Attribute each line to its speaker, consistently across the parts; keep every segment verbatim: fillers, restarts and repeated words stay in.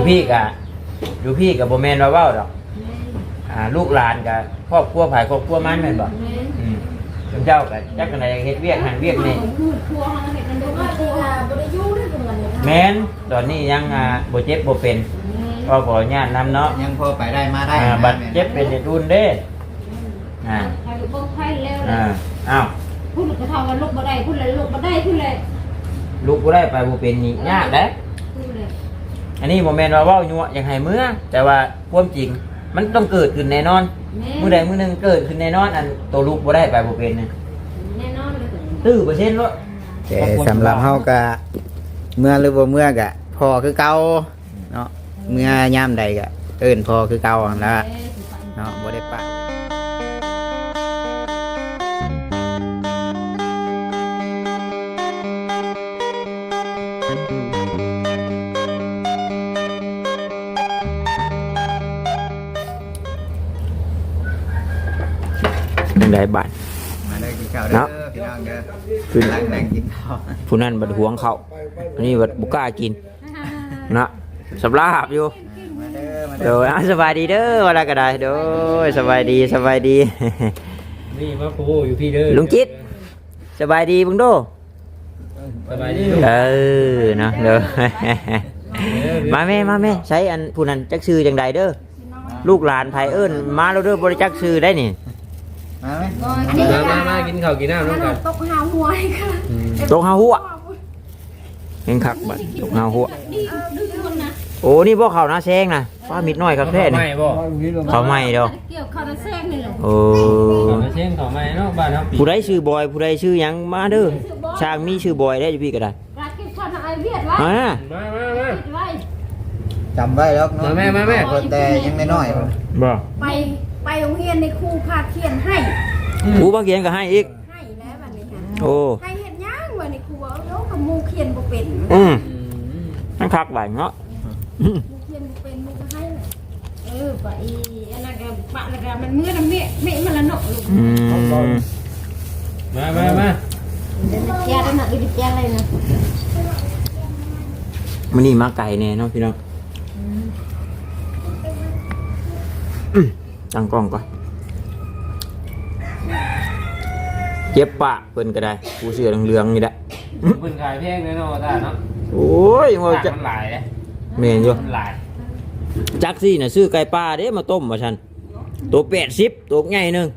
Speaker 1: พี่กะอยู่พี่กับโบแมนว่าเว้าดอกอ่าลูกหลานกับครอบครัวภายครอบครัวมันแม่นบ่อืมเจ้ากับจักกันใดเฮ็ดเวียกหันเวียกนี่แม่นตอนนี้ยังอ่าบ่เจ็บบ่เป็นก็ขออนุญาตนำเนาะ
Speaker 2: ยังพอไปได้มาได้
Speaker 1: อ่าบัดเจ็บเป็นรุ่นเด้อ่าอ่าอ้าว
Speaker 3: พูดกระทำว่าลูกบ่ได้พูดเลยลูกบ่ได้พูดเลย
Speaker 1: ลูกบ่ได้ไปบ่เป็นนี่ยากเด้อันนี้บ่แม่นว่าเว้ายั่วอยากให้เมื่อแต่ว่าความจริงมันต้องเกิดขึ้นแน่นอนมื้อใดมื้อหนึงเกิดขึ้นแน่นอนอันตัวลูกบ่ได้ไปบ่เป็นนี่
Speaker 3: แน่นอนเลย
Speaker 1: ตื้อเปอร์เซ็นต์บ่
Speaker 2: แต่สำหรับเฮาก็เมื่อหรือบ่เมื่อก็พอคือเก่าเนาะเมื่อยามใดก็เอิ้นพอคือเก่าหั่นล่ะเนาะบ่ได้ปะ
Speaker 1: จังได๋บาด
Speaker 2: มาได้กินข้าวเด้อพี่น้องเด้อคือนั่งนั่งกินข้าว
Speaker 1: ผู้นั้นบัดหวงเขาอันนี้บัดบ่กล้ากินนะสำราบอยู่เดี๋ยวสบายดีเด้อว่าแล้วก็ได้เด้อสบายดีสบายดี
Speaker 4: นี่มาโคอยู่พี่เด้อ
Speaker 1: ลุงจิตสบายดีเบิ่งดู
Speaker 4: สบายดี
Speaker 1: เออเนาะเด้อมาแม่มาแม่ใช้อันผู้นั้นจักชื่อจังใดเด้อลูกหลานไผเอิ้นมาแล้วเด้อบ่ได้จักชื่อได้นี่
Speaker 2: มาไหม
Speaker 4: มามามากินข้าวกินน้ำร่วมกัน
Speaker 3: ตกหาหัวค่ะ
Speaker 1: ตกหาหัวเห็นคักบัดตกหาหัวโอ้นี่บ่เข้านะแซงนะป้ามิดน้อยครับแท้นี่เขาใหม่เด้อ
Speaker 3: เกี่ยวข้าวแซงนี่แหละ
Speaker 1: โอ้
Speaker 4: เขาแซงเขาใหม่เนาะบ้านเฮา
Speaker 1: ผู้ใดชื่อบอยผู้ใดชื่อหยังมาเด้อช่างมีชื่อบอยได้อยู่พี่ก็ได้
Speaker 3: รักกินข้าวไอเวียดไว้
Speaker 1: มา
Speaker 4: มามามา
Speaker 2: จำไว้แล้วเนาะ
Speaker 4: แม่มาแม่
Speaker 2: แต่ยังน้อย
Speaker 1: ๆบ่
Speaker 3: ไปไปโรงเรียนในครูพาเขียนให้
Speaker 1: ครูพาเขียนก็ให้อีก
Speaker 3: ให้แล้วบัดนี้ค่ะ
Speaker 1: โอ้
Speaker 3: ให้เฮ็ดหยังว่าในครูเอาแล้วกับหมู่เขียนบ่เป็น
Speaker 1: อืมนั่นคักบาดเนาะ
Speaker 3: เขียนบ่เป็นมันก็ให้เออไปอันนั้นก็ปะแล้วก็มันมื้อนั้นแม่แม่มันละเนาะลูก
Speaker 1: อืม
Speaker 4: มามามา
Speaker 3: เดี๋ยวแกได้น่ะอีกแกอะไรนะ
Speaker 1: มื้อนี้มาไก่แน่เนาะพี่น้องตั้งกล้องก่อนเจ็บปะเพิ่นก็ได้ผู้เสื้อเหลืองๆนี่แหละ
Speaker 4: เพิ่นขายแพงแน่นอนตาเนาะ
Speaker 1: โอ้ยว่า
Speaker 4: จะมันหลายเด้
Speaker 1: แม่นอยู่
Speaker 4: มันหลาย
Speaker 1: จักซี่น่ะซื้อไก่ป่าเด้มาต้มว่าซั่นตัวแปดสิบตัวใหญ่นึง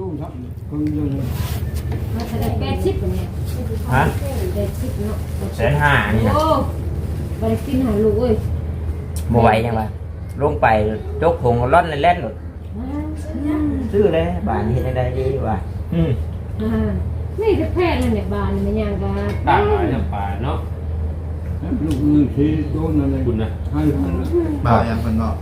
Speaker 3: มาแสดงแปดสิบเนี่ย
Speaker 1: ฮะ
Speaker 3: แปดสิบเนาะ
Speaker 1: แสนห้านี่นะ
Speaker 3: โอ้บ่ได้กินหาลูกเอ้ย
Speaker 1: บ่ไหวจังว่าลงไปจกผงร้อนแล่นๆหมดซื้อเลยบ้านนี้เฮ็ดได้ดีว่าอืม
Speaker 3: อ่านี่จะแพทย์นั่นแหละบ้านมันยังก็
Speaker 4: ต่างหลายน้ำปลาเนาะ
Speaker 5: ลูกมือที่โดนอะไร
Speaker 4: คุณนะ
Speaker 5: ให้
Speaker 2: บ่าวยังเพิ่นบอก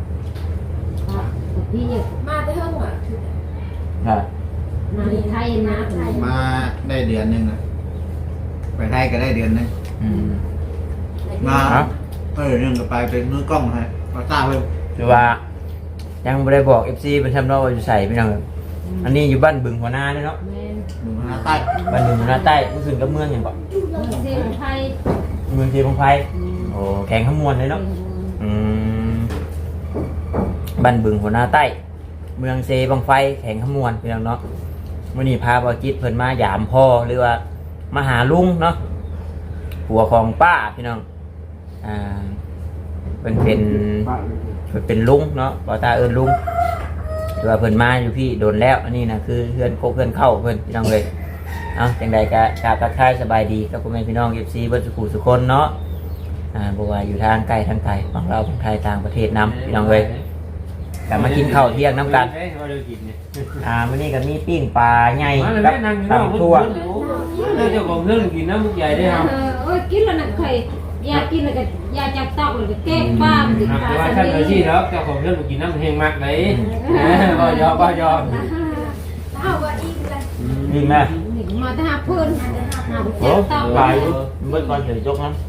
Speaker 3: พี่มาแต่เฮิงว่ะ
Speaker 1: อ่า
Speaker 3: มาไทยนะ
Speaker 2: มาได้เดือนนึงนะไปไทยก็ได้เดือนนึง
Speaker 1: อืม
Speaker 2: มาเออนึงก็ไปเป็นมือกล้องให้มาตาเพิ่น
Speaker 1: คือว่ายังบ่ได้บอก เอฟ ซี เป็นทำเนาะว่าอยู่ไสพี่น้องอันนี้อยู่บ้านบึงหัวหน้าเนาะ
Speaker 2: บึงหัวหน้าใต้
Speaker 1: บ้านบึงหัวหน้าใต้มันขึ้นกับเมืองหยังบ่
Speaker 3: เมืองไทย
Speaker 1: เมืองเทพงไพโอ้แข่งขมวนเลยเนาะอืมบ้านบึงหัวหน้าใต้เมืองเซบังไฟแข่งขมวนพี่น้องเนาะมื้อนี้พาบ่จิตเพิ่นมายามพ่อหรือว่ามาหาลุงเนาะผัวของป้าพี่น้องอ่าเป็นเป็นเป็นลุงเนาะบ่ตาเอิ้นลุงแต่ว่าเพิ่นมาอยู่พี่โดนแล้วอันนี้นะคือเพื่อนโคเพื่อนเข้าเพิ่นพี่น้องเลยเอาจังใดก็กราบทักทายสบายดีกับพ่อแม่พี่น้อง เอฟ ซี เบิดสุขุสุคนเนาะอ่าบ่ว่าอยู่ทางไกลทางไกลฝั่งลาวฝั่งไทยต่างประเทศนำพี่น้องเลยกลับมากินข้าวเที่ยงน้ำกันอ่ามื้อนี้ก็มีปิ้งปลาใหญ่กับตำทั่ว
Speaker 4: เจ้าของเรื่องกินน้ำมุกใหญ่ได้ครับ
Speaker 3: เออกินแล้วน่ะเคยยากินแล้วก็ยาจับตอกเลยก็แก้ป้ามติดตา
Speaker 4: แต่ว่าท่านเลยที่แล้วเจ้าของเรื่องกินน้ำแห้งมากเลยก็ยอมก็ยอม
Speaker 3: เอาว่าอีกเลย
Speaker 1: นี่แม่
Speaker 3: มาแต่หาเพื่อนหาเพื่
Speaker 1: อน
Speaker 3: ตอก
Speaker 1: ไปเมื่อก่อนเดี๋ยวยกนั้น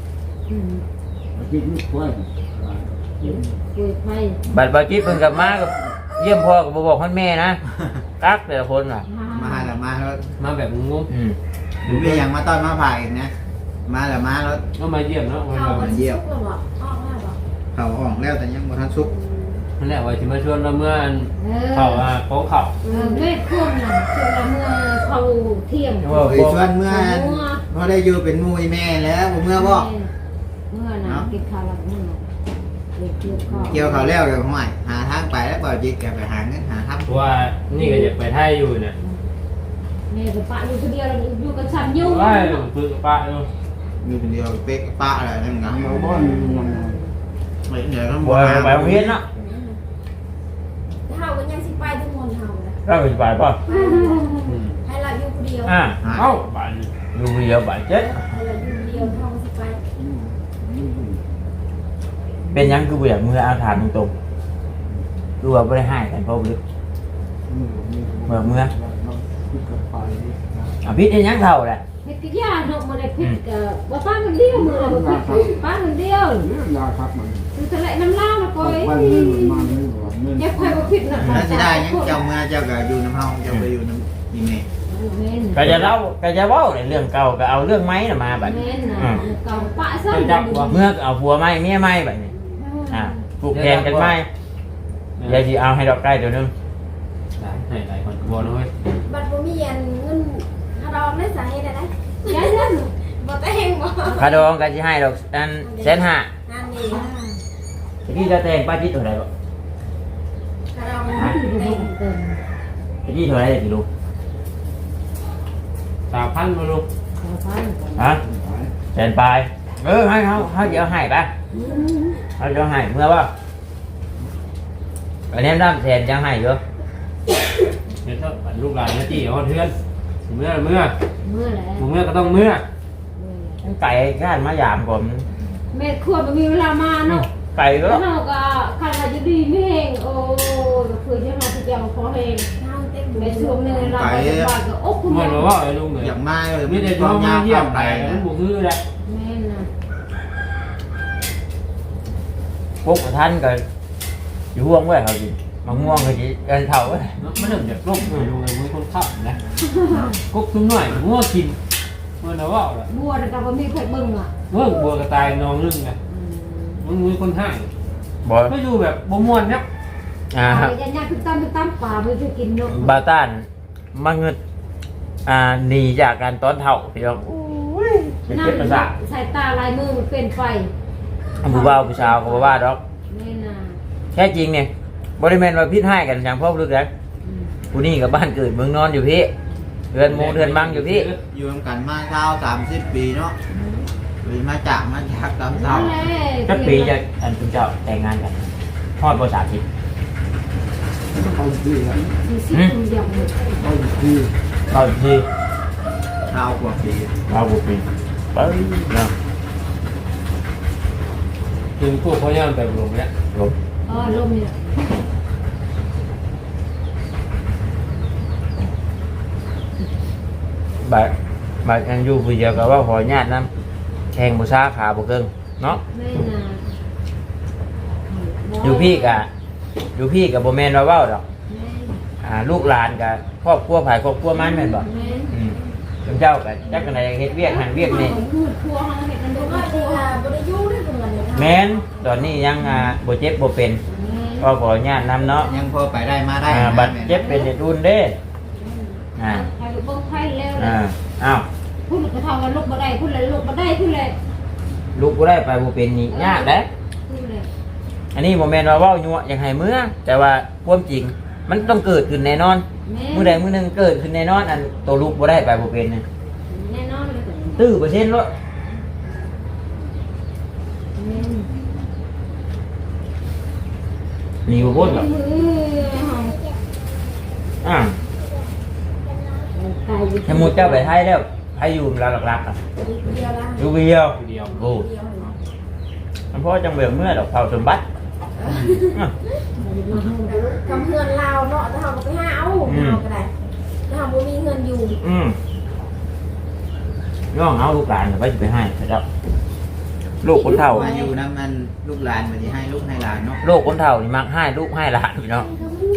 Speaker 1: บัดบาจิตเพิ่งกลับมากับเยี่ยมพ่อกับบอกพ่อแม่นะกักแต่ละคนอ่ะ
Speaker 2: มาแล้วมาแล้ว
Speaker 4: มาแบบงง
Speaker 2: หรือยังมาต้อนมาผ่าอีกนะมาแล้วมาแล้ว
Speaker 4: ก็มาเยี่ยมเนาะ
Speaker 2: มาเยี่ยมเขาอ่องแล้วแต่ยังบ่ทันสุก
Speaker 4: นั่นแหละว่าสิมาชวนเราเมื่ออัน
Speaker 3: เออ
Speaker 4: เขาอ่ะโค้งเขา
Speaker 3: เออแม่ควมน่ะคือละเมื่อเขาเที่ยง
Speaker 2: เอ้ยชวนเมื่อบ่ได้อยู่เป็นหมู่อีแม่แล้วบ่เมื่อบ่
Speaker 3: เมื่อน่ะกินข้าวแล้วเมื่อน่ะเด็กเกี่ยวข้าว
Speaker 2: เกี่ยวเขาวแล้วเดี๋ยวห่วยหาทางไปแล้วบ่จิตแกไปหาเงินหาทำ
Speaker 4: เพราะว่านี่ก็อยากไปไทยอยู่เนี่ย
Speaker 3: แม่ก็ปะอยู่คนเดียวอยู่กับฉันอยู่
Speaker 4: ว่าคือกับป้าอยู่
Speaker 2: อยู่คนเดียวเป๊กกับป้าอะไรนั่นไง
Speaker 5: เราบ้านยังไง
Speaker 2: ไม่เดี๋ยวต้อง
Speaker 1: บ่ไปโรงเรียนเนาะ
Speaker 6: เฮาก็ยังสิไปทุกคนเฮานะ
Speaker 1: เราไปไปป่ะ
Speaker 6: ให้เราอยู่คนเดียว
Speaker 1: อ่า
Speaker 4: เอ้าบ้าน
Speaker 1: อยู่เดียวบาดเจ็บ
Speaker 6: ให้เราอยู่คนเดียวเฮาก็สิไป
Speaker 1: เป็นหยังคือบ่อยากมืออาถานตรงๆคือว่าบ่ได้ให้กันเพราะบ่ลึกเมื่อเมื่ออ่ะพิษได้หยังเท่าแหละ
Speaker 3: เฮ็ดกิยาเนาะบ่ได้ผิดก็บ่ป้าคนเดียวมื้อละบ่ผิดป้าคนเดียว
Speaker 5: ยาครับมัน
Speaker 3: คือทะเลน้ำลาวน่ะก้อย
Speaker 5: วันนี้มันมาไม่หวานเงิน
Speaker 3: อย่าค่อยบ่ผิดน่ะ
Speaker 2: แล้วสิได้ยังเจ้าเมื่อเจ้าก็อยู่น้ำเฮาเจ้าไปอยู่น้ำอีแม่
Speaker 3: แม่น
Speaker 1: ก็จะเล่าก็จะเว้าในเรื่องเก่าก็เอาเรื่องไม้น่ะมาบัดนี้
Speaker 3: แม่นน่ะเก่าปะซะ
Speaker 1: เมื่อก็เอาผัวไม้เมียไม้บัดนี้อ่าผูกแขนกันไม้เดี๋ยวสิเอาให้ดอกไก่ตัวหนึง
Speaker 4: ให้หลายคนบ่นะเว้ย
Speaker 6: บัดบ่มีอันเงินถ้าดอกได้สาเหตุอะไร
Speaker 3: ยายนั่น
Speaker 6: บ่แต่งบ่
Speaker 1: คาดองก็สิให้ดอกอันแสนห้า
Speaker 6: นั่นนี่
Speaker 1: ตะกี้จะแต่งป้าจิตเท่าไหร่บ่
Speaker 6: ถ้าดอกมันแต่ง
Speaker 1: ตะกี้เท่าไหร่สิลูก
Speaker 4: สามพันมาลูก
Speaker 1: ฮะแสนปลายเออให้เขาเขาเดี๋ยวให้ป่ะเขาเดี๋ยวให้เมื่อว่าอันนี้น้ำแสนยังให้เยอะ
Speaker 4: เดี๋ยวถ้าลูกหลานนะจี้เอาเทือนเมื่อเมื่อ
Speaker 3: เมื่อไหร่
Speaker 4: เมื่อก็ต้องเมื่อ
Speaker 1: ไก่ก้านมายามผม
Speaker 3: แม่ครัวบ่มีเวลามาเนาะ
Speaker 1: ไก่ก็
Speaker 3: แล้วเฮาก็คันว่าจะดีไม่แห้งโอ้ก็คือจะมาที่เจ้าขอแห้ง
Speaker 6: เฮาเต็ม
Speaker 3: ไปช่วงนึงเราไปบ้านก็อกคุณ
Speaker 4: เมื่อ
Speaker 3: แม่
Speaker 4: เราว่าไอ้ลุงเนี่ย
Speaker 2: อยากมาเลย
Speaker 4: มีแต่
Speaker 2: ค
Speaker 4: ช่
Speaker 2: วาว ม
Speaker 4: ง
Speaker 2: ยาว
Speaker 4: เยี่ย
Speaker 2: ความ ม
Speaker 4: ไป
Speaker 2: ไป
Speaker 4: มัน
Speaker 2: นะ
Speaker 4: บุคือแหละ
Speaker 3: แม่น่ะ
Speaker 1: พวกท่านก็อยู่ห่วงไว้เขาดิมะม่วงก็จีเดินเท่าไว้
Speaker 4: มันเริ่มจากลูกเลยลุงเลยมือคนขับนะกุ๊กตุ้มหน่อยงัวกินเมื่อเราว่าแหละ
Speaker 3: บัวแต่ก็บ่มีใครเบิ่งอ่ะ
Speaker 4: เมื่อบัวกระต่ายนองลึงไงมึงมือคนห้าง
Speaker 1: บอ
Speaker 4: ไม่อยู่แบบบ่ม่วนเนี่ย
Speaker 1: อ่า
Speaker 3: อ่ายันยาคือตามตามป่าไม่ได้กินเนาะ
Speaker 1: บาต้านมาเงิดอ่าหนีจากการต้อนเท่าพี่น้องเป็นเจ็บประสาท
Speaker 3: สายตาลายมือมันเป็นไฟ
Speaker 1: ผู้บ่าวผู้สาวก็บ่ว่าดอก
Speaker 3: แม่น่ะ
Speaker 1: แค่จริงเนี่ยบริเวณว่าพิษให้กันอย่างพ่อลึกแล้วผู้นี่กับบ้านเกิดเมืองนอนอยู่พี่เรือนโมเรือนบังอยู่พี่
Speaker 2: อยู่ร่วมกันมาเช้าสามสิบปีเนาะหรือมาจากมาจากตามเช้า
Speaker 3: นั่นแหละ
Speaker 1: สักปีจะอันคุณเจ้าแต่งงานกันทอดภาษาทิศ
Speaker 5: เขาที่อ่ะ
Speaker 3: สี่สิบปีเดียวหมด
Speaker 5: เขาที่
Speaker 1: เข้าที่
Speaker 2: เช้ากว่าปี
Speaker 1: เราบุปีไปเนาะ
Speaker 4: ถึงพวกเขาย่างไปลงเนี่ย
Speaker 1: ลง
Speaker 3: เออลมเนี่ย
Speaker 1: บาดบาดอันอยู่ผู้เดียวกับว่าขอญาติน้ำแข่งบุษาขาบุเกิงเนาะ
Speaker 3: แม่น่ะ
Speaker 1: อยู่พี่กะอยู่พี่กับโบแมนว่าเว้าดอก
Speaker 3: แม่
Speaker 1: อ่าลูกหลานกับครอบครัวผายครอบครัวมันแม่นบ่
Speaker 3: แม่
Speaker 1: อืมเจ้ากับจักกันใดเฮ็ดเวียกหันเวียกนี่
Speaker 3: พูดครัวเฮาเฮ็ดกัน
Speaker 6: บ่
Speaker 3: บ่
Speaker 6: ว่า
Speaker 3: ครั
Speaker 6: สิ
Speaker 3: ว
Speaker 6: อ่าบ่ได้อยู่ด้วยกันเลย
Speaker 1: แม่นตอนนี้ยังอ่าบ่เจ็บบ่เป็นก็ขอญาตินํเนาะ
Speaker 2: ยังพอไปได้มาได้
Speaker 1: อ่าบัดเจ็บเป็นเด็ดรุ่นเด้อ่า
Speaker 3: ใครเบิ่งไผแล้ว
Speaker 1: อ่าอ้าว
Speaker 3: พูดก็เท่ากันลูกบ่ได้พูดเลยลูกบ่ได้พูดเลย
Speaker 1: ลูกบ่ได้ไปบ่เป็นนี่ยากเด้
Speaker 3: พูดเลย
Speaker 1: อันนี้บ่แม่นว่าเว้ายั่วอยากให้เมื่อแต่ว่าความจริงมันต้องเกิดขึ้นแน่นอน
Speaker 3: แม่
Speaker 1: มื้อใดมื้อหนึงเกิดขึ้นแน่นอนอันตัวลูกบ่ได้ไปบ่เป็นนี่
Speaker 3: แน่นอนเลย
Speaker 1: ตื้อเปอร์เซ็นต์โลด
Speaker 3: แม่
Speaker 1: นี่บ่พ้นหรอกอ่าถ้าหมู่เจ้าไปไทยแล้วไผอยู่ลาวหลักๆอ่ะ
Speaker 6: เดียวละ
Speaker 1: อยู่เดียว
Speaker 4: เดียว
Speaker 1: โอ้
Speaker 6: เดียวละ
Speaker 1: มันเพราะจังเบื่อเมื่อดอกเผาสมบัติอ่ะ
Speaker 6: กำเฮือนลาวเนาะถ้าเฮาก็ไปหาเอาเฮาก็ได้ถ้าเฮาบ่มีเงินอยู่
Speaker 1: อืมน้องเอาลูกหลานไปสิไปให้นะครับลูกคนเฒ่า
Speaker 2: มาอยู่น้ำมันลูกหลานมาที่ให้ลูกให้หลานเนาะ
Speaker 1: ลูกคนเฒ่านี่มักให้ลูกให้หลานพี่น้อง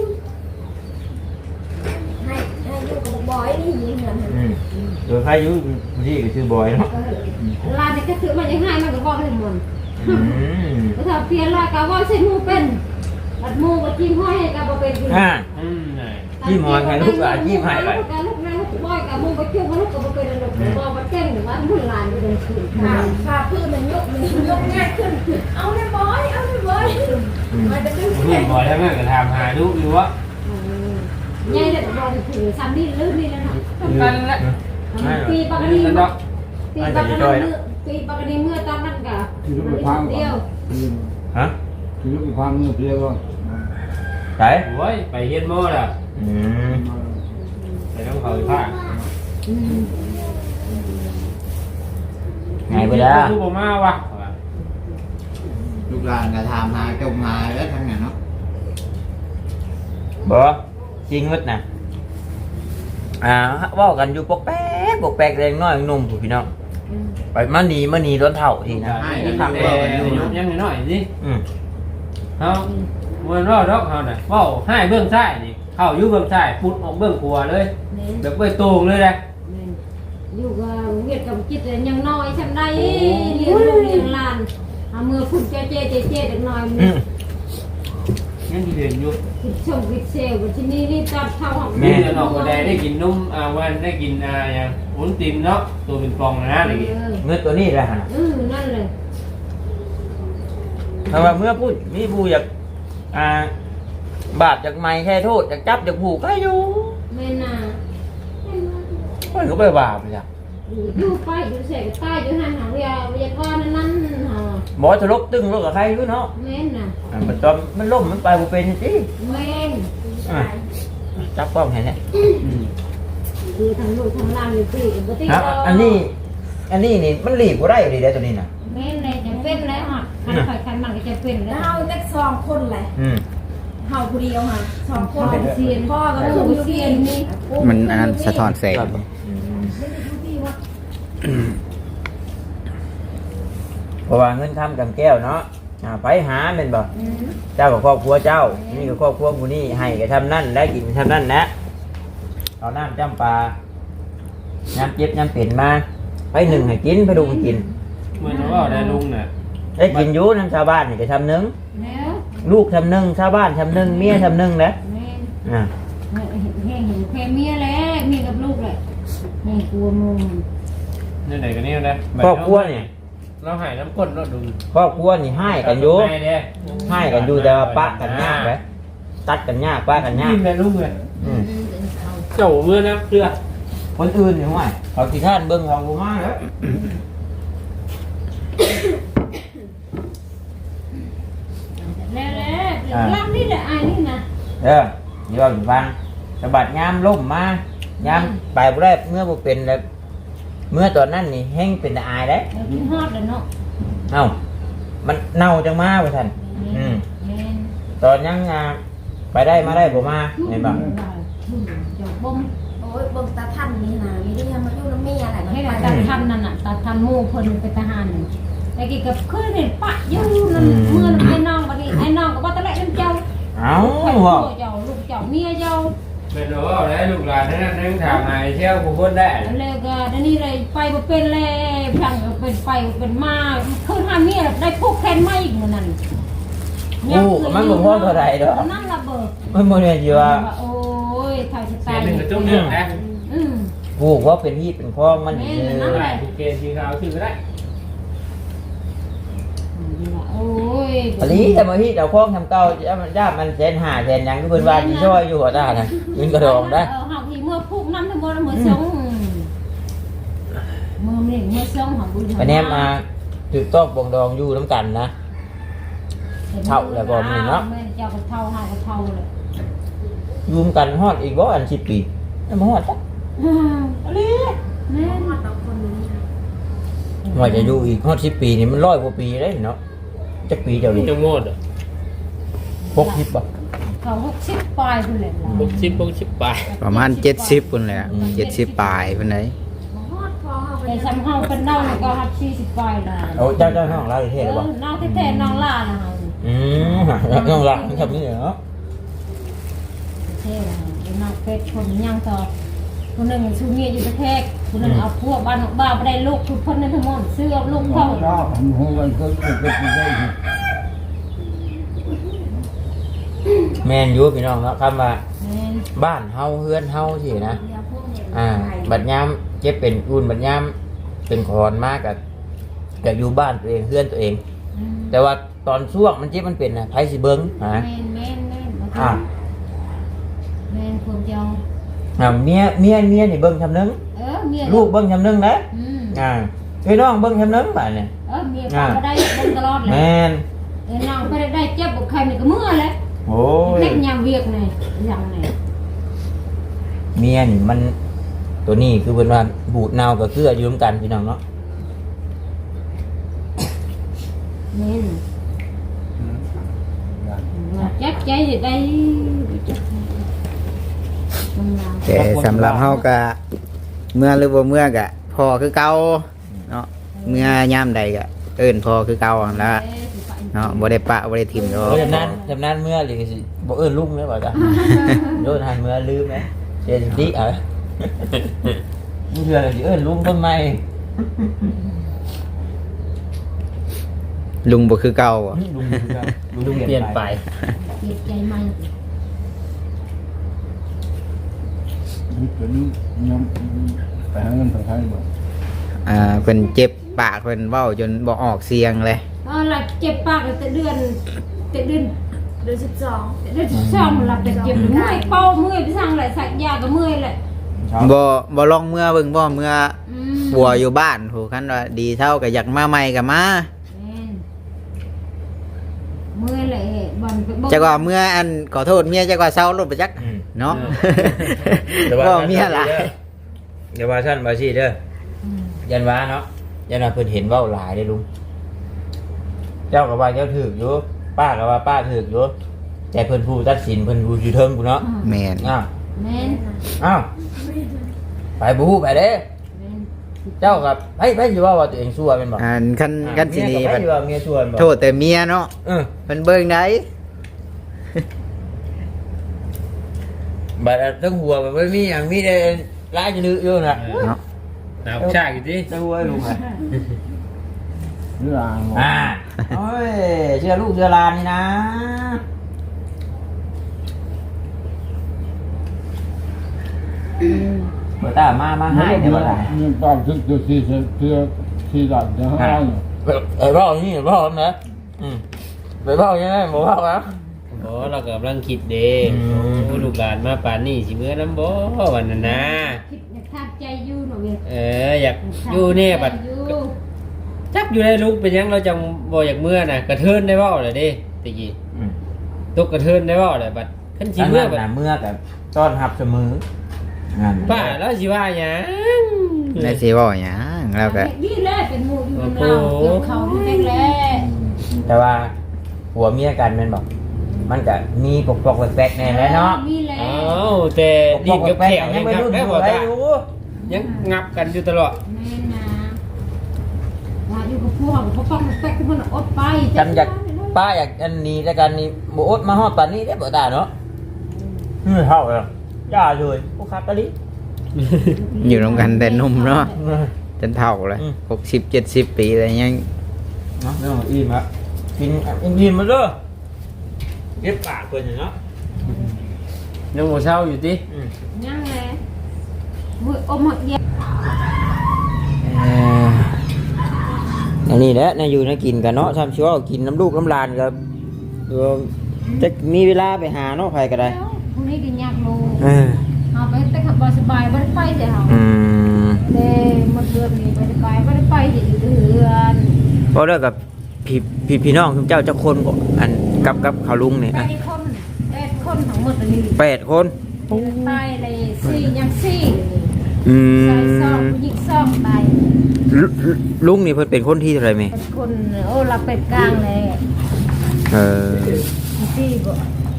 Speaker 6: ให้ให้อยู่กับบ่อยนี่ยิงเงิน
Speaker 1: อืมโดยใครอยู่ที่ก็ชื่อบอยเนาะ
Speaker 3: ลานนี่ก็ถือมันยังให้มันก็บอกให้หมด
Speaker 1: อือืม
Speaker 3: ถ้าเปลี่ยนละก็ว่าใส่หมูเป็นบัดหมูก็จิ้มห้อยก็บ่เป็น
Speaker 1: อ่า
Speaker 4: อืมไหน
Speaker 1: จิ้มหอยให้ลูกหลานจิ้มให้ไป
Speaker 3: ลูกลูกลูกบ่อยกับหมูก็จิ้มลูกก็บ่เป็นลูกบ่บ่เก่งหรือว่าหุ่นหลานก็เป็นคือ
Speaker 6: ค่ะค่ะพื้นมันยกมันยกง่ายขึ้นเอาเลยบอยเอาเลยบอยมันจะขึ้น
Speaker 4: เพื่อนบ่อยแล้วแม่ก็ถามหาลูกอยู่ว่า
Speaker 3: ใหญ่ได้บ่ได้ถือซ้ำนี่ลื่นนี่แล้วเนาะ
Speaker 4: กันแหละ
Speaker 3: ปีปก
Speaker 4: นี่
Speaker 3: ติ
Speaker 4: กันดอก
Speaker 3: ปีปกติปีปกติเมื่อตอนนั้นก็
Speaker 5: ที่ลูกไปพัง
Speaker 3: เดียว
Speaker 1: ฮะ
Speaker 5: ที่ลูกไปพังเมื่อเพียก็
Speaker 1: ไหน
Speaker 4: โอ้ยไปเฮ็ดโม่ล่ะ
Speaker 1: อืม
Speaker 4: ไปต้องเขาผ้า
Speaker 1: ไงไปแล้ว
Speaker 4: ลูกบ่มาวะ
Speaker 2: ลูกหลานก็ถามหาจมหาแล้วทั้งนั้นเนาะ
Speaker 1: บ่จริงมึดนะอ่าเว่ากันอยู่ปกแป๊กปกแป๊กแรงน้อยหนุ่มผู้พี่น้องไปมานีมานีร้อนเท่าทีนะ
Speaker 4: ให้ทำแต่ยุบยังน้อยๆสิ
Speaker 1: อืม
Speaker 4: เฮาเมื่อรอดอกเฮาน่ะเว้าให้เบื้องซ้ายนี่เข้าอยู่เบื้องซ้ายปุดออกเบื้องขวาเลยแบบเบื้องตรงเลยแหละ
Speaker 3: อยู่กับเวียดกับจิตยังน้อยฉันได้เลี้ยงลูกเลี้ยงหลานเอามือพุ่นเจ๊เจ๊เจ๊เจ๊เด็กน้อยมื
Speaker 1: อื
Speaker 3: อ
Speaker 1: ม
Speaker 4: ยังเห็นอยู่
Speaker 3: คิดชมคิดเซลล์ที่นี่นี่ตัดเท่าของ
Speaker 4: มีแต่นอกก็ได้ได้กินนุ่มอ่าวันได้กินอ่าอย่างวุ้นติมเนาะตัวเป็นฟองนะนะได้กิน
Speaker 1: เมื่อตัวนี้แหละฮะ
Speaker 3: เออนั่นเลย
Speaker 1: ถ้าว่าเมื่อพูดมีผู้อยากอ่าบาดจากไม้แค่โทษจากจับจากผูกก็อยู่
Speaker 3: แม่น่ะ
Speaker 1: มันก็ไปบาปเลยจ้ะ
Speaker 3: อยู่ไปอยู่เสกใต้อยู่ห่างหางเรียวิทยากรนั่นนั่นฮะ
Speaker 1: บอจะลบตึงลบกับใครอยู่เนาะ
Speaker 3: แม่น่ะ
Speaker 1: อ่ามันตอนมันล่มมันไปบ่เป็นสิ
Speaker 3: แม่น
Speaker 1: อ่ะจับกล้องเห็นเนี่ย
Speaker 3: คือทางลูกทางหลานอยู่ที่ปกติ
Speaker 1: ครับอันนี้ อันนี้นี่มันหลีบก็ได้อยู่ดีได้ตัวนี้นะ
Speaker 3: แม่นเลยจะเป็นแล้วฮะคันข่อยคันมันก็จะเป็น
Speaker 6: แล้
Speaker 3: แล้ว ว
Speaker 6: เฮาเล็กสองคนเลย
Speaker 1: อืม
Speaker 6: เฮาผู้เดียวค่ะสองคน
Speaker 3: เสียน
Speaker 6: พ่อกับ
Speaker 3: เอ
Speaker 6: ลู
Speaker 3: อก เสียนนี่
Speaker 2: มันอันนั้นสะท้อนแสง
Speaker 1: ครับอืมเพราะว่าเงินทำกับแก้วเนาะอ่าไปหาเป็นบ่เจ้ากับครอบครัวเจ้า นี่กับครอบครัวผู้นี้ให้ก็ทำนั่นได้กินทำนั่นนะเอาน้ำจำปลาน้ำเจ็บน้ำเปลี่ยนมาไปหนึ่งให้กินไปดูให้กิน
Speaker 4: เหมือนว่าได้ลุงน่ะ
Speaker 1: ได้กินอยูน้ำชาวบ้านนี่ก็ทำหนึ่ง
Speaker 3: แล้ว
Speaker 1: ลูกทำหนึ่งชาวบ้านทำหนึ่งเมียทำหนึ่งนะ
Speaker 3: แม่น
Speaker 1: อ่า
Speaker 3: เห็นแห้งเห็นแค่เมียแล้วเมียกับลูกเลยแม่กลัวมุม
Speaker 4: นี่ไหนกันนี่นะ
Speaker 1: ครอบครัวเนี่ย
Speaker 4: เราหายน้ำก้นเราดู
Speaker 1: ครอบครัวนี่ให้กันอยู่
Speaker 4: ให้เด้
Speaker 1: ให้กันอยู่แต่ว่าปะกันยากไปตัดกันยากปะกันยาก
Speaker 4: ยิ้มเลยลุงเลย
Speaker 1: อืม
Speaker 4: เจ้าเมื่อนะเพื่อ
Speaker 1: คนอื่นเนี่ยห่วยเขาที่ท่านเบิ้งของกูมาแล้ว
Speaker 3: แล้วแล้วล่างนี่แหละไอ้นี่นะ
Speaker 1: เออเดี๋ยวอยู่ฟังสะบัดยามล่มมายามไปบ่ได้เมื่อบ่เป็นแล้วเมื่อตอนนั้นนี่แห้งเป็นตาอายได้
Speaker 3: เรากินฮอดแล้วเนาะ
Speaker 1: เอ้ามันเน่าจังมาว่าท่านอืม
Speaker 3: แม่น
Speaker 1: ตอนยังอ่าไปได้มาได้บ่มาเห็นบ่
Speaker 3: เจ้าบ่ม
Speaker 6: โอ้ยเบิ่งตาท่านนี่นะมีเรื่องมาอยู่น้ำเมียอะไร
Speaker 3: ให้
Speaker 6: ไป
Speaker 3: เราตัดทันนั่นน่ะตัดทันหมู่เพิ่นเป็นทหารนั่นแต่กี่กับเคยเห็นปะอยู่นั่นเมื่อไอ้น้องบัดนี้ไอ้น้องก็บ่ตะแลนเจ้า
Speaker 1: เอ้า
Speaker 3: ไอ้
Speaker 1: บ่
Speaker 3: เจ้าลูกเจ้าเมียเจ้า
Speaker 4: เป็นว่าได้ลูกหลานนั่นนั่งถามหายเที่ยวกูพ้นได้
Speaker 3: แล้วก็เดี๋ยวนี้เลยไปบ่เป็นแล้วพังก็เป็นไปเป็นมาคืนหาเมียได้พวกแคนมาอีกมื้อนั้น
Speaker 1: โอ้ก็มันบ่พอเท่าใดดอก
Speaker 3: นั่นล่ะเบิก
Speaker 1: มันบ่ได้สิว่า
Speaker 3: โอ้ยเท่าสิ
Speaker 4: เสี
Speaker 3: ตาย ย
Speaker 4: หนึ่งกระจุกเรื่องนะ
Speaker 3: อืม
Speaker 1: กูว่าเป็นพี่เป็นพ้องมันนี่
Speaker 3: แม่
Speaker 1: เอ
Speaker 3: นั่น
Speaker 1: อ
Speaker 3: แหละ
Speaker 4: ทุกเกณฑ์สีขาวชื่อก็ได้
Speaker 3: โอ้ย
Speaker 1: ปลีแต่มาพี่เจ้าของทำเก่าจะมันจ้ามันแสนห้าแสนหยังทุกคนว่าสิช่วยอยู่หัวตาน่ะยิงกระดองได้
Speaker 3: เออเฮาที่เมื่อพุกน้ำทั้งหมดเมื่อสองเมื่อนี่เมื่อสองของบุญ
Speaker 1: ไปแนมมาถูกต้องปองดองอยู่น้ำกันนะเท่าแล้วบ่มีเนาะ
Speaker 3: แม่เจ้าก็เท่าเฮาก็เท่าเลย
Speaker 1: อยู่นำกันฮอดอีกบ่อันสิบปีแล้วมาฮอดจ้ะ
Speaker 3: อืมอะไรแม่
Speaker 6: หมดเราคนนี้
Speaker 1: ว่าจะอยู่อีกฮอดสิบปีนี่มันร้อยกว่าปีเลยเนาะจักปีเจ้าดิ
Speaker 4: จะโง่ดอ่ะ
Speaker 1: หกสิบบ่
Speaker 3: เขาหกสิบปลายพุ่นแหละ
Speaker 4: หกสิบหกสิบปลาย
Speaker 2: ประมาณเจ็ดสิบพุ่นแหละเจ็ดสิบปลายพุ่นไหน
Speaker 6: ฮอดพอเฮาไป
Speaker 3: แต่ซ้ำเฮาเป็นน้องก็หับสี่สิบปลายละ
Speaker 1: โอ้เจ้าเจ้าน้องเราเท่
Speaker 3: เอ
Speaker 1: หรือบ่
Speaker 3: อน้องแท้ๆน้องล่าละเฮา
Speaker 1: อืมน้องหลังทำนี่เนาะ
Speaker 3: เท่ละไอ้น้องเป็ดคนยังต่อคนหนึ่งชูเมียอยู่ประเทศคนหนึ่งเอาพวกบ้านบ้าไปได้ลูกทุกคนในทั้งหมดซื้อเอาลูกพ่อ
Speaker 5: đó không hôn anh cứ cứ cứ cứ đây
Speaker 1: แม่นอยู่พี่น้องเนาะคำว่าบ้านเฮาเฮือนเฮาสินะอ่าบัดยามเจ็บเป็นอุ่นบัดยามเป็นคอนมากกับกับอยู่บ้านตัวเองเฮือนตัวเอง แต่ว่าตอนช่วงมันเจ็บมันเป็นนะไผสิเบิ่งฮะ
Speaker 3: แม่นแม่นแม่น
Speaker 1: อ่า
Speaker 3: แม่นคนเดียว
Speaker 1: อ่าเมียเมียเมียนี่เบิ่งชำนึง
Speaker 3: เออเมีย
Speaker 1: ลูกเบิ่งชำนึงนะ
Speaker 3: อืม
Speaker 1: อ่าพี่น้องเบิ่งชำนึงบาดนี่
Speaker 3: เออเมียฟังก็ได้เบิ่งตลอดเลย
Speaker 1: แม่น
Speaker 3: เออนางไปได้เจ็บบุกใครนี่ก็เมื่อเลย
Speaker 1: โอ้ย
Speaker 3: เล็กยามเวียกนี่อย่างนี่
Speaker 1: เมียนี่มันตัวนี้คือเพิ่นว่าบูดเน่ากับเกลืออยู่ร่วมกันพี่น้องเนาะ
Speaker 3: แม่นจักใจจะได้มันลาว
Speaker 2: แต่สำหรับเฮาก็เมื่อหรือบ่เมื่อก็พอคือเก่าเนาะเมื่อยามใดก็เอิ้นพอคือเก่าหั่นล่ะเนาะบ่ได้ปะบ่ได้ทิ่มดอก
Speaker 1: จำนั้นจำนั้นเมื่อหรือสิบ่เอิ้นลุงแม่บ่จ้ะ โยนหันเมื่อลืมไหมเสียสิเอ้ยมึงเถื่ออะไรสิเอิ้นลุงต้นไม้
Speaker 2: ลุงบ่คือเก่าบ่
Speaker 1: ลุงครับ
Speaker 4: ลุงเปลี่ยนไป
Speaker 3: เจ็บใจมัน
Speaker 5: cái nhóm phải hai ngân phải hai mà
Speaker 2: อ่าเพิ่นเจ็บปากเพิ่นเว้าจนบ่ออกเสียงเลย
Speaker 3: เออหลับเจ็บปากแต่เดือนแต่เดือน
Speaker 6: เดือนสิบสอง
Speaker 3: เดือนสองหลับแต่เจ็บเมื่อยเป้าเมื่อยไปสั่งอะไรสักยาก็เมื่อยแหละ
Speaker 2: บ่บ่ลองเมื่อเบิ่งบ่เมื่อ
Speaker 3: อืม
Speaker 2: ปัวอยู่บ้านโหคันว่าดีเท่าก็อยากมาใหม่ก็มา
Speaker 3: แม่นเมื่อยแหละบอลไป
Speaker 2: จักว่าเมื่ออันขอโทษเมียจักว่าเศร้ารถไปจักเนาะบ่เมียหลาย
Speaker 1: เดี๋ยวว่าท่านบ่สิเด้อ
Speaker 3: อืม
Speaker 1: ยันว่าเนาะยันว่าเพิ่นเห็นเว้าหลายเด้อลุงเจ้าก็ว่าเจ้าถูกอยู่ป้าก็ว่าป้าถูกอยู่แต่เพิ่นผู้ตัดสินเพิ่นผู้อยู่เทิงกูเนาะ
Speaker 2: แม่น
Speaker 1: อ้าว
Speaker 3: แม่น
Speaker 1: อ้าวไปบ่ฮู้ไปเด้อ
Speaker 3: แม่น
Speaker 1: เจ้ากับไผไผสิว่าว่าตัวเองชั่วแม่นบ่
Speaker 2: อันคันคันสิหนี
Speaker 1: เมีย
Speaker 2: เพิ่
Speaker 1: กับไผ
Speaker 2: น
Speaker 1: สิว่าเมียชั่วแม่นบ่
Speaker 2: โทษแต่เมียเนาะ
Speaker 1: เออ
Speaker 2: เพิ่นเบิ่งได้
Speaker 1: บัดทั้งหัวมันไม่มีอย่างมีแต่ร้ายจะลืออยู่น่ะ
Speaker 2: เนาะ
Speaker 4: หนาวชากอยู่ดิ
Speaker 1: ทั้งหัวลุงอ่ะ
Speaker 5: Chứ là
Speaker 1: อ่าโอ้ยเชื่อลูกเชื่อหลานนี่นะเปิดตามามาให้เดี๋ยวบ่ได้
Speaker 5: nhưng toàn thức từ khi khi khi đặt cho hai
Speaker 1: เออบอกนี่บอกนะอืมไปบอกยังไงบ่บอกครับ
Speaker 4: โอ้เรากำลังคิดเด้
Speaker 1: อืม
Speaker 4: โอ้ลูกหลานมาป่านนี้สิเมื่อน้ำบ่วันนั้นนะ
Speaker 3: คิดอยากทาบใจอยู่หน่อยเว้ย
Speaker 4: เอออยากอยู่เนี่ยบัด
Speaker 3: อยู่
Speaker 4: จักอยู่ในลูกเป็นหยังเราจังบ่อยากเมื่อน่ะกระเทินได้เว้าเลยเด้ตะกี้
Speaker 1: อืม
Speaker 4: ตกกระเทินได้เว้าเลยบัดคันสิ
Speaker 1: อัน
Speaker 4: เมื่อ
Speaker 1: นั้น
Speaker 4: บัด
Speaker 1: น่ะเมื่อกับต้อนรับเสมอนั่น
Speaker 4: ป้าแล้วสิว่าหยัง
Speaker 2: ได้สิเว้าหยังแล้วก็
Speaker 3: นี่แหละเป็นหมู่อยู่นาวเกี่ยวเขาอยู่แม่งแหละ
Speaker 1: แต่ว่าผัวเมียกันแม่นบอกมันก็มีปกปกแปลกๆแน่แหล้วเนาะ
Speaker 3: มีแหละ
Speaker 4: อ้าวแต่ดินกับแขว
Speaker 1: ยั
Speaker 4: ยัง ง
Speaker 1: ไม่
Speaker 4: งับ
Speaker 1: รุ่น
Speaker 4: ได้
Speaker 1: อยู่
Speaker 4: บ่
Speaker 1: ไร
Speaker 4: ตา
Speaker 1: อยู่
Speaker 4: ยังงับกันอยู่ตลอด
Speaker 3: แม่นะว่าอยู่กับพวกเขาฟังแป๊กมันอดไป
Speaker 1: จำอยากป้าอยากอันนี้แต่กันนี่บอดมาฮอดปานนี้ได้บ่ตาเนาะเฮ้ยเท่าเลยย่าเลยพวกคักกะลิ
Speaker 2: อยู่ร่วมกันแต่หนุ่มเนาะจนเฒ่าเลย
Speaker 1: อืม
Speaker 2: หกสิบเจ็ดสิบปีอะไรยัง
Speaker 1: เนาะเรื่องอิ่มอะกินอิ่มมาเด้อเก็บปากเพิ่นเนาะ
Speaker 4: ยังบ่เช้าอยู่ติ
Speaker 1: อืม
Speaker 3: ยังแหละมืออมหมดเดียว
Speaker 1: เอ่ออันนี้แหละน่าอยู่น่ากินกันเนาะทำชัวร์กินน้ำลูกน้ำลานกับเดี๋ยวจะมีเวลาไปหาเนาะใครก็ได้
Speaker 3: พรุ่งนี้กินยากโล
Speaker 1: เออ
Speaker 3: เอาไปแต่ขับสบายไม่ได้ไปเดี๋ยว
Speaker 1: อืม
Speaker 3: เด้หมดเดือนนี้ไม่ได้ไปไม่ได้ไปเดี๋ยวอยู่เดือน
Speaker 1: เพราะเรื่องกับพี่พี่พี่น้องทุกเจ้าเจ้าคนบ่อันกับกับเขาลุงเนี่ย
Speaker 3: แป
Speaker 1: อ่ะ
Speaker 3: ดคนแปดคนทั้งหมดเลย
Speaker 1: แปดคน
Speaker 3: ตายเลยสี่ยังสี่
Speaker 1: อื
Speaker 3: ใส่ซอง
Speaker 1: ม
Speaker 3: ผู้หญิงซองตาย
Speaker 1: ลุลุงนี่เพิ่นเป็นคนที่เท่าไหรไหม
Speaker 3: เป็นคนโอ้เราเป็ดกลางเลย
Speaker 1: เออ
Speaker 3: สี่บ่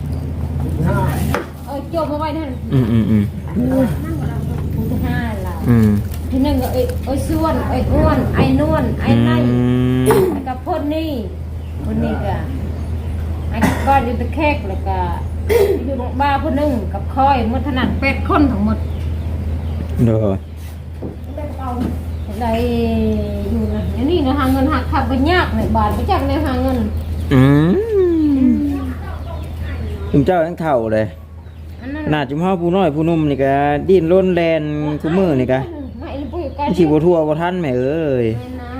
Speaker 3: เออโจมเอาไว้นั่น
Speaker 1: อืมอืมอืม
Speaker 3: ผู้ที่ห้าเรา
Speaker 1: อืม
Speaker 3: ที่หนึ่งก็ไอ้ไอ้ส่วนไอ้อ้วนไอ้นวลไอ้ไน
Speaker 1: อืม
Speaker 3: แล้วก็พ่นนี่พ่นนี่ก็ไอ้ก้อนอยู่ตะแคกแล้วก็อยู่บ้าพ่นหนึ่งกับคอยหมดถนัดเป็ดคนทั้งหมด
Speaker 2: โดย
Speaker 3: ได้เอาได้อยู่นะเดี๋ยวนี้นะหาเงินหักขับไปยากเลยบาทไปจากในหาเงิน
Speaker 2: อืมจุมเจ้าทั้งเท่าเลย
Speaker 3: อันนั้น
Speaker 2: หน้าจุมเฮาผู้น้อยผู้หนุ่มนี่ก็ดิ้นรนแลนคู่มือนี่ก็
Speaker 3: ไม่เลยปุ้ยใกล้
Speaker 2: สิบ่ทั่วบ่ทันแม่เอ้ย
Speaker 3: แม่นะ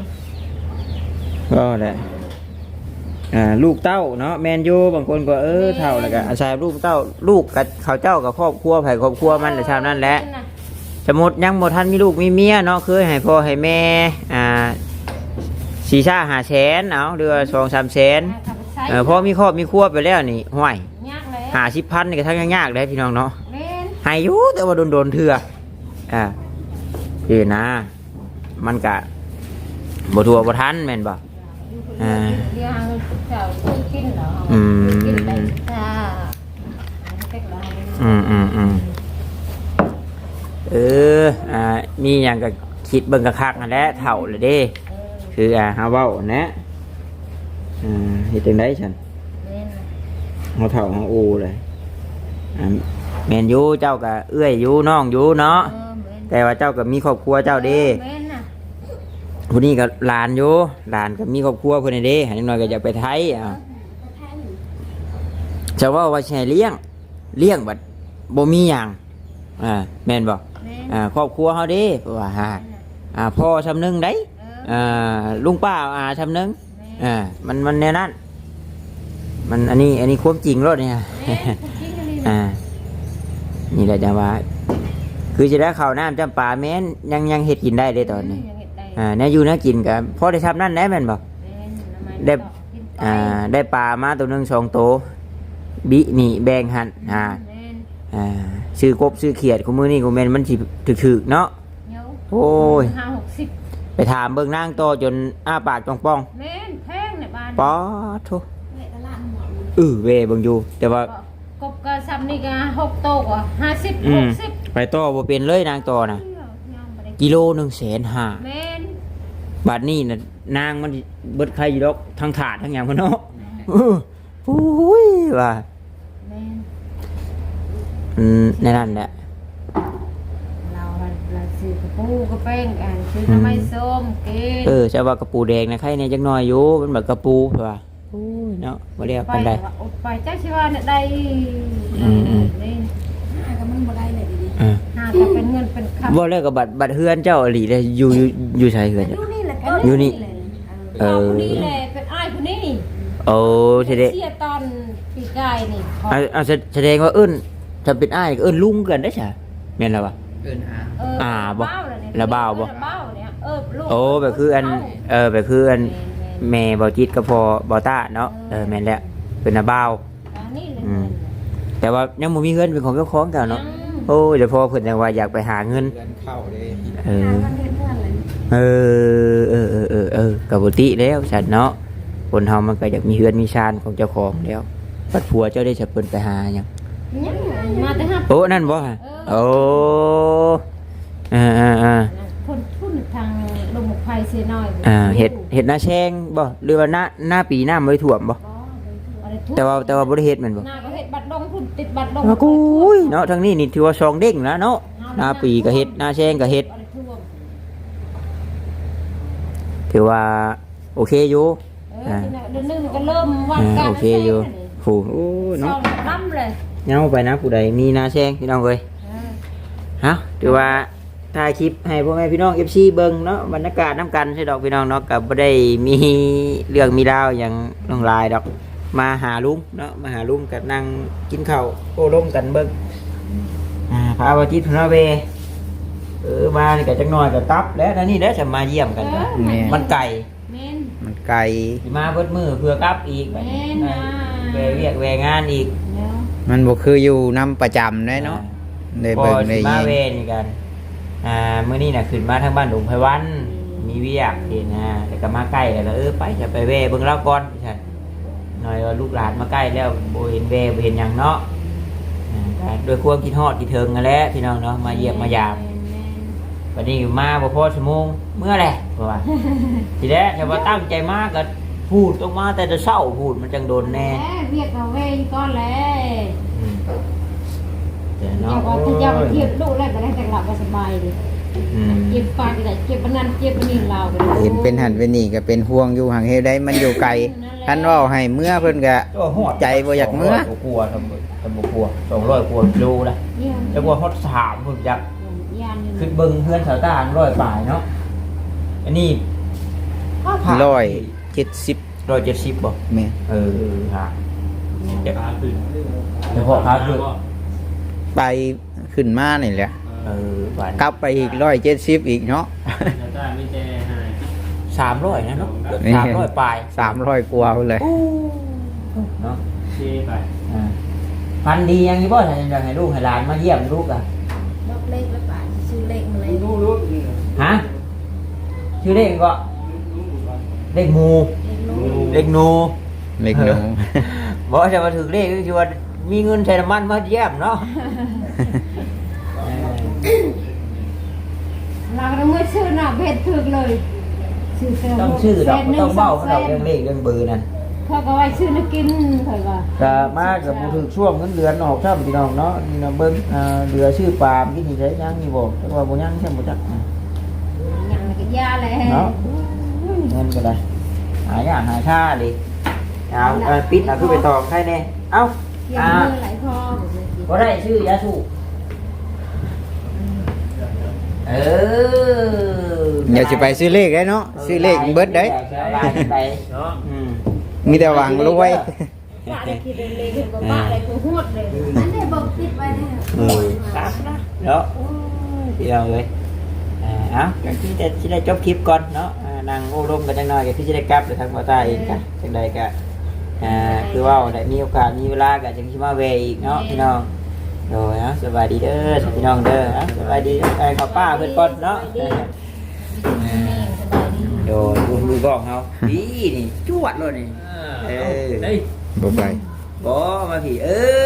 Speaker 2: ก็แหละอ่าลูกเต้าเนาะแมนยูบางคนก็เออเท่าแล้วก็อาศัยลูกเต้าลูกกับเขาเจ้ากับครอบครัวไผครอบครัวมันแต่ชาวนั้นแหละสมมุติยังบ่ทันมีลูกมีเมียเนาะเคยให้พ่อให้แม่อ่าสี่ชาห้าแสนเอาเดือนสองสามแสนเออพอมีครอบมีครัวไปแล้วนี่ห้วย
Speaker 3: ยากเลย
Speaker 2: ห้าสิบพันนี่ก็ทั้งยากๆเลยพี่น้องเนาะ
Speaker 3: เล่น
Speaker 2: ให้อยู่แต่ว่าโดนๆเถื่ออ่าคือนะ มันกะบ่ทัวบ่ทันแม่นบ่ อ่า
Speaker 3: เดี๋ยวหาเงินเจ้าซื้อกินเหรอ
Speaker 2: อืม
Speaker 3: กินไปจ้าเต็กเหรอ
Speaker 2: อืมอืมอืมเอออ่ามีอย่างก็คิดเบิ่งกะคักนั่นแหละเท่าเลยเด้ คืออ่าฮาเว้านะอ่าเฮ็ดจังได๋ฉัน
Speaker 3: เล่น
Speaker 2: เฮาเฒ่าเฮาโอเลยอ่าแม่นอยู่เจ้าก็เอื้อยอยู่น้องอยู่เนาะ
Speaker 3: เออเล่น
Speaker 2: แต่ว่าเจ้าก็มีครอบครัวเจ้าเด้
Speaker 3: เล่นน่ะ
Speaker 2: ผู้นี้ก็หลานอยู่หลานก็มีครอบครัวเพิ่นนี่เด้หันหน่อยก็อยากไปไทยอ่าจะว่าว่าสิให้เลี้ยงเลี้ยงบัดบ่มีหยังอ่าแม่นบ่
Speaker 3: เล่น
Speaker 2: อ่าครอบครัวเฮาเด้เพราะว่าฮะอ่าพ่อชำนึงได้
Speaker 3: เออ
Speaker 2: อ่าลุงป้าอาชำนึงอ่ามันมันแนวนั้นมันอันนี้อันนี้ความจริงรถเนี่ย
Speaker 3: เล่นจริงๆนี่
Speaker 2: อ่านี่แหละจะว่า คือจะได้ข้าวน้ำจำปาแม้นยังยังเฮ็ดกินได้เลยตอนนี้
Speaker 3: ยังเห็ดได้
Speaker 2: อ่าเนี่ยอยู่นะกินกับพ่อได้ทำนั่นแหละแม่นบ่
Speaker 3: เล่นทำไม
Speaker 2: ได้
Speaker 3: ต่อกินไป
Speaker 2: อ่าได้ปลามาตัวหนึงสองตัวบินี่แบ่งหันอ่า
Speaker 3: เล่น
Speaker 2: อ่าซื้อกบซื้อเขียดกูมือนี่กูแม่นมันสิถึกๆเนาะ
Speaker 3: เดี๋ยว
Speaker 2: โอ้ย
Speaker 3: ห้าหกสิบ
Speaker 2: ไปถามเบิ่งนางโตจนอ้าปากจ้องป้อง
Speaker 3: เล่นแพงในบ้าน
Speaker 2: ป๊อดโธ่
Speaker 6: เละตลาดหมด
Speaker 2: เออเวเบิ่งอยู่แต่ว่า
Speaker 3: กบกระซับนี่ก็หกโตกว่าห้าสิบ
Speaker 2: อื
Speaker 3: ห
Speaker 2: ม
Speaker 3: กสิบ
Speaker 2: ไปต่อบ่เป็นเลยนางต่อน่ะ กิโลหนึ่งแสนห้า
Speaker 3: เล่น
Speaker 2: บาทนี้น่ะนางมันเบิดใครอยู่ดอกทั้งถาดทั้งหยังพุ่นเนาะเออโอ้ยว่า
Speaker 3: เล่น
Speaker 2: อืมในนั้นแหละ
Speaker 3: เราเราซื้อกระปูกระเป้งกันซื้อน้ำมันส้มกิน
Speaker 2: เออจะว่ากระปูแดงนะใครเนี่ยจักหน่อยอยู่มันแบบกระปูว่าโอ้ยเนาะบ่เรียก
Speaker 3: ไป
Speaker 2: ปานใด
Speaker 3: ว่าอดไปจ้าชิว่าเนี่ยได้
Speaker 2: อืมอืม
Speaker 3: เล่น
Speaker 6: หาก็มันบ่ได้เลยดี
Speaker 2: อ่า
Speaker 3: หาแต่เป็นเงินเป็นคำ
Speaker 2: บ่แล้วก็บัตรบัตรเฮือนเจ้าอหลีเลยอยู่อยู่อยู่ไสเฮือน
Speaker 6: ๆอยู่นี่แหละ
Speaker 2: อยู่นี่
Speaker 3: เออคนนี้แหละเป็นอ้ายคนนี้
Speaker 2: โอ้ทีเด
Speaker 3: เสียตอนปีกายนี่
Speaker 2: เอาเอาแสแสดงว่าเอิ้นถ้าเป็นอ้ายก็เอิ้นลุงกันได้ใช่แม่นแล้ววะ
Speaker 3: เออ
Speaker 2: อ่าบ่
Speaker 3: เเลยเนี่ย
Speaker 2: ละเบ้าบ่
Speaker 3: ละเบ้าเนี่ยเออลูก
Speaker 2: โอ้แบบคืออันเออแบบคืออันแม่บ่จิตกับพ่อบ่ตาเนาะเออแม่นแล้วเป็นอาบ่าว
Speaker 3: อันนี้เลย
Speaker 2: อืม แต่ว่ายังบ่มีเงินเป็นของเจ้าของเก่าเนาะโอ้ยเดี๋ยวพ่อเพิ่นจังว่าอยากไปหาเงินเออ
Speaker 6: หากันเฮ็ดเพื่อนเลย
Speaker 2: เออเออเออเออเออกับปกติแล้วฉันเนาะคนเฮามันก็อยากมีเฮือนมีชานของเจ้าของแล้วปัดผัวเจ้าได้จะเพิ่นไปหาหยัง
Speaker 3: ยังมาแต่ห้า
Speaker 2: โอ้นั่นบ่ฮะโอ้เอ่าอ่าอ่า
Speaker 3: คนทุนทางลมไฟเสียน้อย
Speaker 2: อ่าเฮ็ดเฮ็ดหน้าแชงบ่หรือว่าหน้าหน้าปีหน้าบ่ได้ท่วมบ่แต่ว่าแต่ว่าบ่ได้เฮ็ดแม่นบ่
Speaker 3: หน้าก็เฮ็ดบัตรลงทุนติดบัตรลง
Speaker 2: ว่ากูยเนาะทางนี้นี่ถือว่าซองเด้งนะเนาะหน้าปีก็เฮ็ดหน้าแชงก็เฮ็ดถือว่าโอเคอยู่
Speaker 3: เออเดือนหนึงก็เริ่มวัด
Speaker 2: อ่า
Speaker 3: การ
Speaker 2: โอเคอยู่โหโอ้ย
Speaker 3: เนาะ
Speaker 2: เนาะ
Speaker 3: ล้ำเลย
Speaker 2: เงาไปนะผู้ใดมีหน้าแชงพี่น้องเอ้ย
Speaker 3: เออ
Speaker 2: ฮะถือว่าถ่ายคลิปให้พ่อแม่พี่น้อง เอฟ ซี เบิ่งเนาะบรรยากาศน้ำกันใช่ดอกพี่น้องเนาะก็บ่ได้มีเรื่องมีราวอย่างลงลายดอกมาหาลุงเนาะมาหาลุงก็นั่งกินข้าวโอ้ร่มกันเบิ่งอ่าพาว่าจิตพนาเวเออมานี่ก็จักหน่อยก็ตับแล้วนะนี่เด้อจะมาเยี่ยมกันก็มันไก่
Speaker 3: แม่น
Speaker 2: มันไก่มาเบิดมือเพื่อกลับอีกบัดนี้
Speaker 3: แม่น
Speaker 2: แวเวียกแวงานอีก
Speaker 3: เดี๋ยว
Speaker 2: มันบ่คืออยู่นำประจำเด้เนาะได้เบิ่งได้
Speaker 1: มา
Speaker 2: ยิน
Speaker 1: เวนี่กันอ่ามื้อนี้น่ะขึ้นมาทางบ้านดงไผวันมีเวียกเห็นนะแล้วก็มาใกล้แล้วก็เออไปจะไปเวเบิ่งเล่าก่อนใช่หน่อยว่าลูกหลานมาใกล้แล้วบ่เห็นเวบ่เห็นหยังเนาะอ่าก็ด้วยความคิดฮอดคิดถึงนั่นแหละพี่น้องเนาะมาเยี่ยมมายาม วันนี้มาบ่พอชั่วโมงเมื่อไรเพราะว่า ทีแรกแต่ว่าตั้งใจมากก็พูดต้องมาแต่จะเศร้าพูดมันจังโดนแน่
Speaker 3: แหมเรียกเอาเวงก้อนแล้ว
Speaker 1: อืมเดี๋ยว
Speaker 3: เจ้า
Speaker 1: เนาะ
Speaker 3: ก็ถ้าเจ้าเก็บลูกแล้วก็ได้แต่หลับก็สบายดิ
Speaker 1: อืม
Speaker 3: เก็บปลาก็ได้เก็บปนันเก็บปนี่ลาวก็ได้
Speaker 2: เห็นเป็นหันเป็นนี่ก็เป็นห่วงอยู่ห่างเฮ็ดได้มันอยู่ไกลท่านเว่าให้เมื่อเพิ่นก็
Speaker 1: โอ้โห
Speaker 2: ใจบ่อยากเมื่อ
Speaker 1: สงร้กลัวทำบ่ทำบ่กลัวสองร้อยกว่ากิโลละ
Speaker 3: เยี่ยม
Speaker 1: จะกลัวฮอดสามพุ่นจัก
Speaker 3: ยานอยู่
Speaker 1: ขึ้นเบิ่งเพื่อนชาวต้านร้อยปลายเนาะอันนี้
Speaker 2: ร้อยเจ็ดสิบ
Speaker 1: ร้อยเจ็ดสิบบ่
Speaker 2: แม่น
Speaker 1: เออฮะ
Speaker 4: ขาขึ้น
Speaker 1: เฉพาะขาขึ้น
Speaker 2: ไปขึ้นมานี่แหละ
Speaker 1: เออปาน
Speaker 2: กลับไปอีกร้อยเจ็ดสิบอีกเนาะ
Speaker 4: แล้วได้ไม่แจ้ให้
Speaker 1: สามร้อยนะเนาะ
Speaker 2: นี่
Speaker 1: สามร้อยปลาย
Speaker 2: สามร้อยกว่าเลย
Speaker 1: เนาะ
Speaker 4: เช่ไป
Speaker 1: อ่าพันดียังนี้บ่ถ้าอยากให้ลูกให้หลานมาเยี่ยมลูกอ่ะ
Speaker 6: บอกเลขแล้วป่าชื่อเลขมาเลย
Speaker 1: ฮะชื่อเลขก็เลขหมู
Speaker 6: เลขโน้
Speaker 1: เลขหนู
Speaker 2: เล็กน้อง
Speaker 1: บอกจะมาถึงเลขก็คือว่ามีเงินใช้น้ำมันมาเยี่ยมเนาะ
Speaker 3: เราก็ต้องซื้อหน้าเบ็ดถึกเลยซื้อเสื้อ
Speaker 1: ต้องชื่อดอกบ่ต้องเบ้า
Speaker 3: แส
Speaker 1: เขา
Speaker 3: นห
Speaker 1: เรื่
Speaker 3: นึ่
Speaker 1: องเลขเรื่องเบอร์นั่น
Speaker 3: เขาก็ไว้ซื้อนักกินเขาก็
Speaker 1: ก็มากับบ่ถึงช่วงเงินเดือนออกครับพี่น้องเนาะนี่นะเบิ่งอ่าเดือชื่อปาล์มกินนี่ใช้ยังนี่บ่แต่ว่าบ่ยังใช่บ่จัก
Speaker 3: ยังก็ยาเลย
Speaker 1: เนาะเงินก็ได้หายากหาชาดิเอาเอาปิดเอาคือไปตอกให้แน่เอ้า
Speaker 3: ยัง
Speaker 1: อ่า
Speaker 3: มือไหลคอ
Speaker 1: บ่ได้ชื่อยาสูบเออ
Speaker 2: เดี๋ยวสิไปซื้อเลขได้เนาะซื้อเลขเบิดได้
Speaker 1: ไป
Speaker 4: เนาะ
Speaker 1: อืม
Speaker 2: มีแต่หวังรวย
Speaker 6: ป่าได้คิดเลยเลขเห็นบ่ป่าอะไรกูโหดเลยอันนี้บอกติดไว้แน่
Speaker 1: เออครับนะเนาะพี่น้องเอ้ยอ่าเอ้าอย่างที่จะสิได้จบคลิปก่อนเนาะอ่านั่งโอ้ลมกันจังหน่อยก็คือสิได้กลับไปทางบ่อใต้อีกกันจังใดก็อ่าคือว่าได้มีโอกาสมีเวลาก็จังสิมาแวะอีกเนาะพี่น้องโดยเนาะสบายดีเด้อพี่น้องเด้อเนาะสบายดีไอ้ข้าวป้าเพิ่นก่อนเนาะอ่าโดยดูมือกล้องเฮาดีนี่จวดเลยนี่ เออ
Speaker 4: เฮ้ย
Speaker 2: บ่ไป
Speaker 1: บ่มาพี่เออ